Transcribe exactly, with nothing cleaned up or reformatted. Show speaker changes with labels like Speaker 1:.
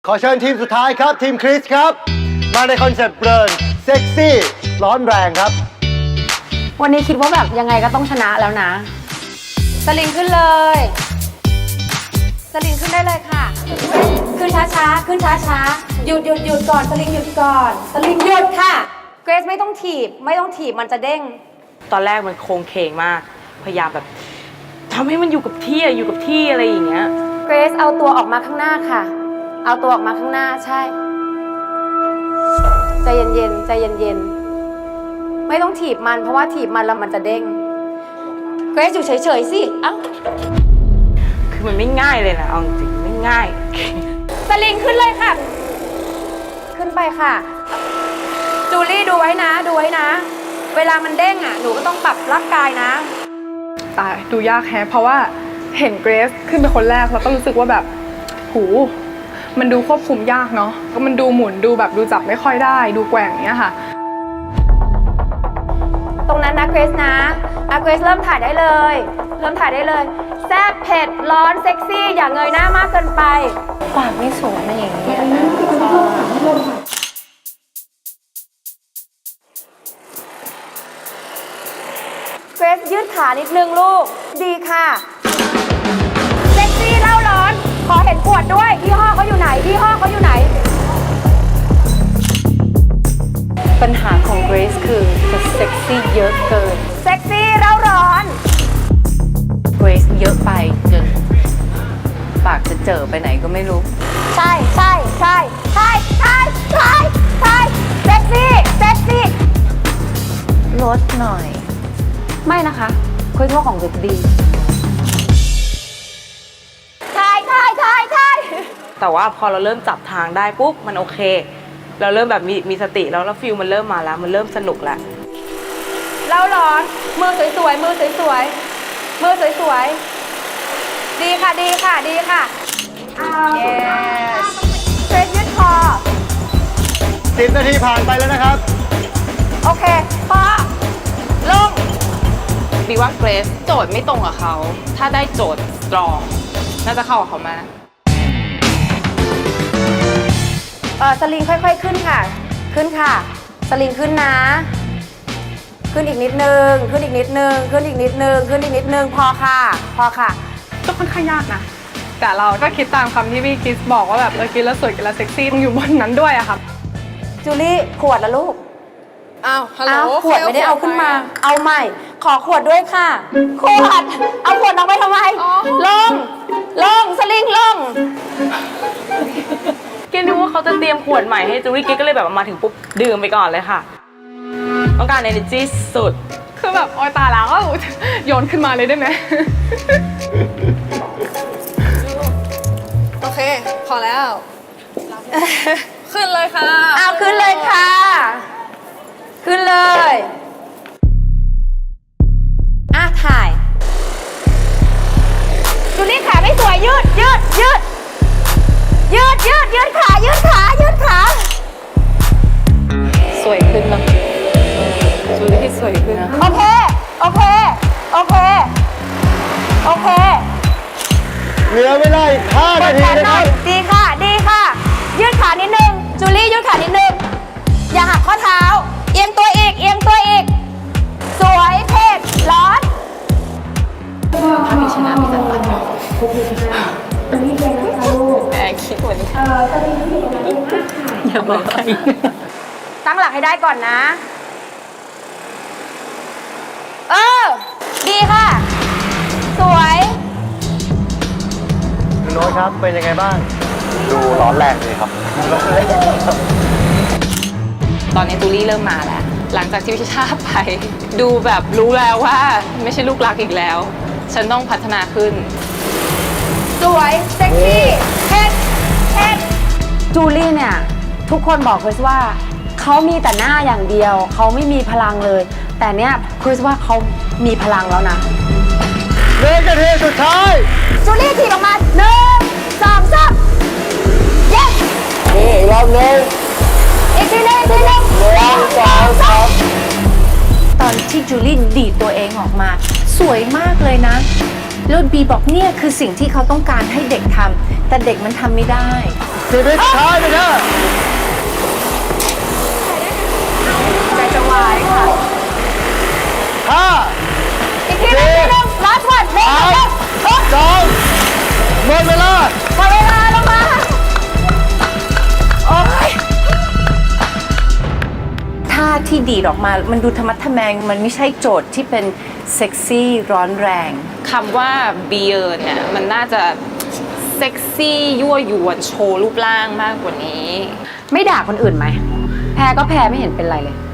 Speaker 1: ขอเชิญทีมสุดท้ายครับทีมคริสครับมาในคอนเซ็ปต์เบิร์นเซ็กซี่ร้อนแรงครับ
Speaker 2: วันนี้คิดว่าแบบยังไงก็ต้องชนะแล้วนะสลิงขึ้นเลย สลิงขึ้นได้เลยค่ะขึ้นช้าๆขึ้นช้าๆหยุดหยุดหยุดก่อนสลิงหยุดก่อนสลิงหยุดค่ะเกรซไม่ต้องถีบไม่ต้องถีบมันจะเด้ง
Speaker 3: ตอนแรกมันโครงเคงมากพยายามแบบทำให้มันอยู่กับที่อยู่กับที่อะไรอย่างเงี้ย
Speaker 2: เกรซเอาตัวออกมาข้างหน้าค่ะเอาตัวออกมาข้างหน้าใช่ใจเย็นๆใจเย็นๆไม่ต้องถีบมันเพราะว่าถีบมันแล้วมันจะเด้งเกรซอยู่เฉยๆสิเอ้า
Speaker 3: คือมันไม่ง่ายเลยนะเอาจริงไม่ง่าย
Speaker 2: สลิงขึ้นเลยค่ะขึ้นไปค่ะจูลี่ดูไว้นะดูไว้นะเวลามันเด้งอ่ะหนูก็ต้องปรับร่างกายนะ
Speaker 4: ตายดูยากแฮะเพราะว่าเห็นเกรซขึ้นเป็นคนแรกแล้วก็รู้สึกว่าแบบหูมันดูควบคุมยากเนาะก็มันดูหมุนดูแบบดูจับไม่ค่อยได้ดูแกว่งเนี้ยค่ะ
Speaker 2: ตรงนั้นนะเกรซนะอะเกรซเริ่มถ่ายได้เลยเริ่มถ่ายได้เลยแซ่บเผ็ดร้อนเซ็กซี่อย่าเงยหน้ามากเกินไปปากไม่สวยนะอย่างนี้เกรซยืดขานิดนึงลูกดีค่ะเซ็กซี่เล่าร้อนขอเห็นขวดด้วยยี่ห้อเขาอยู่ไหนยี่ห้อเขาอยู่ไหน
Speaker 5: ปัญหาของเกรซคือจะเซ็กซี่เยอะเกิน
Speaker 2: เซ็กซี่เล่าร้อน
Speaker 5: เกรซเยอะไปจนปากจะเจอไปไหนก็ไม่รู้
Speaker 2: ใช่ใช่ใช่ใช่ใช่ใช่ใช่เซ็กซี่เซ็กซี่
Speaker 5: ลดหน่อย
Speaker 2: ไม่นะคะคุยทั่วของเด็กดีใช่ใช่ใช่ใช่
Speaker 3: แต่ว่าพอเราเริ่มจับทางได้ปุ๊บมันโอเคเราเริ่มแบบมีมีสติแล้วแล้วฟิลมันเริ่มมาแล้วมันเริ่มสนุกแล้ว
Speaker 2: เล่าร้อนมือสวยๆมือสวยๆมือสวยๆดีค่ะดีค่ะดีค่ะเย้เฟรชยืดคอ
Speaker 1: สิบนาทีผ่านไปแล้วนะครับ
Speaker 2: โอเคพอลง
Speaker 6: บีว่าเกรซโจทย์ไม่ตรงกับเขาถ้าได้โจทย์สตรองน่าจะเข้ากับเขามา
Speaker 2: เออสลิงค่อยๆขึ้นค่ะขึ้นค่ะสลิงขึ้นนะขึ้นอีกนิดนึงขึ้นอีกนิดนึงขึ้นอีกนิดนึงขึ้นอีกนิดนึงพอค่ะพอค่ะ
Speaker 4: ก็ค่อนข้างยากนะแต่เราก็คิดตามคำที่พี่คริสบอกว่าแบบเออกินแล้วสวยกินแล้วเซ็กซี่ต้องอยู่บนนั้นด้วยอะครับ
Speaker 2: จูลี่ขวดละลูก
Speaker 6: อ้าวฮัลโหล
Speaker 2: ขวดไม่ได้เอาขึ้นมาเอาใหม่ขอขวดด้วยค่ะขวดเอาขวดลงไปทำไมลงลงสลิงลง
Speaker 3: เกนึกว่าเขาจะเตรียมขวดใหม่ให้จูรี่กิ๊กก็เลยแบบมาถึงปุ๊บดื่มไปก่อนเลยค่ะต้องการ energy สุด
Speaker 4: คือแบบโอยตาแล้วก็โยนขึ้นมาเลยได้ไหม
Speaker 6: โอเคพอแล้วขึ้นเลยค่ะ
Speaker 2: เอาขึ้นเลยค่ะขึ้นเลยอ่ะถ่ายจูลี่ขาไม่สวยยืดยืดยืดยืดยืดยืดขายืดขายืดขา
Speaker 5: สวยขึ้นนะจูลี่สวยขึ้นนะ
Speaker 2: โอเคโอเคโอเคโอเค
Speaker 1: เหลือเวลาอีกห้านาทีนะครับ
Speaker 2: ดีค่ะดีค่ะยืดขานิดนึงจูลี่ยืดขานิดนึงอย่าหักข้อเท้าเอียงตัวอีกเอียงตัวอีกสวยเผ็ดร้อน
Speaker 5: ถ้ามีชนะมีจัดการแอบคิดวันนี้อย่าบอกใคร
Speaker 2: ตั้งหลักให้ได้ก่อนนะเออดีค่ะสวย
Speaker 1: คุณโน้ตครับเป็นยังไงบ้างดูร้อนแรงเลยครับ
Speaker 6: ตอนนี้ตูลี่เริ่มมาแล้วหลังจากที่วิชาไปดูแบบรู้แล้วว่าไม่ใช่ลูกรักอีกแล้วฉันต้องพัฒนาขึ้น
Speaker 2: สวยเซ็กซี่เผ็ดเผ็ดจูลี่เนี่ยทุกคนบอกคริสว่าเขามีแต่หน้าอย่างเดียวเขาไม่มีพลังเลยแต่เนี้ยคริสว่าเขามีพลังแล้วนะ
Speaker 1: เรื่องนาทีสุดท้าย
Speaker 2: จูลี่ถีบออกมาหนึ่งสองสามเย้
Speaker 1: นี่อีกรอบนึง
Speaker 2: อีกทีนึงอีกทีนึง
Speaker 1: หนึ่งสองสาม
Speaker 5: ตอนที่จูลี่ดีดตัวเองออกมาสวยมากเลยนะแล้วบีบอกเนี่ยคือสิ่งที่เขาต้องการให้เด็กทำแต่เด็กมันทำไม่ได้
Speaker 1: สิบวิสุดท้ายไปเถอะ
Speaker 4: ใจจะวายค่ะ
Speaker 1: ห้า
Speaker 2: อีกทีหนึงอีกทีหนึง last one เร็ว
Speaker 1: สาม
Speaker 2: เร็วเร็ว
Speaker 1: สองหมดเวลา
Speaker 2: หมดเวลาลงมา
Speaker 5: ท่าที่ดีดออกมา มันดูธรรมะทะแมง มันไม่ใช่โจทย์ที่เป็นเซ็กซี่ร้อนแรง
Speaker 6: คำว่าเบียร์เนี่ยมันน่าจะเซ็กซี่ยั่วยวนโชว์รูปร่างมากกว่านี้
Speaker 2: ไม่ด่าคนอื่นไหม แพ้ก็แพ้ไม่เห็นเป็นไรเลย